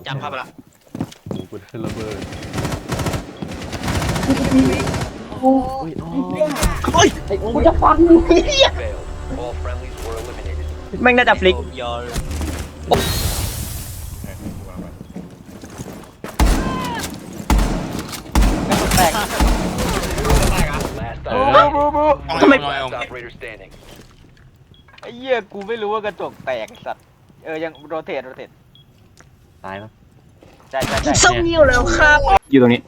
จังเข้าไปละโอ้กูได้ระเบิดโอ้ยเฮ้ยไอ้โอ้ยจะฟันมึงแม่งน่าจะฟลิกยอลแตกทำไมไอ้เหี้ยกูไม่รู้ว่ากระจกแตกสัตว์ยังโรเตทตายปะใช่ส่งเงี้ยวแล้วครับ อยู่ตรงนี้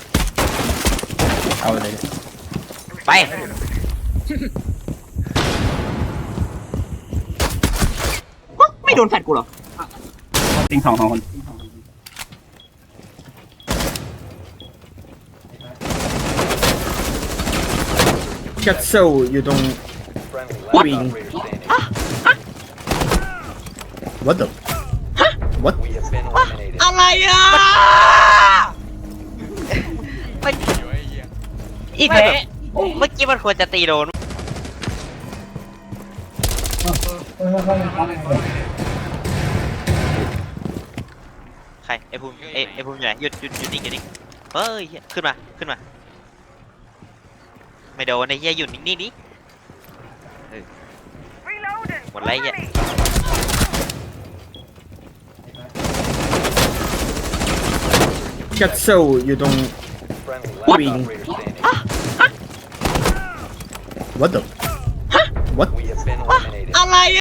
เอาเลยไปไม่โดนแฟดกูหรอติงสองคนชัดโซอยู่ตรงวิ่ง What the What อะไรอ่ะอีกแล้วเมื่อกี้มันควรจะตีโดนใครไอ้ภูมิไอ้ภูมิอยู่ไหนหยุดนิ่งเฮ้ยขึ้นมาไม่โดนไอ้เหี้ยหยุดนิ่งดิหมดไรเหี้ยชัดโซอยู่ตรงวิ่ง What the What อะไร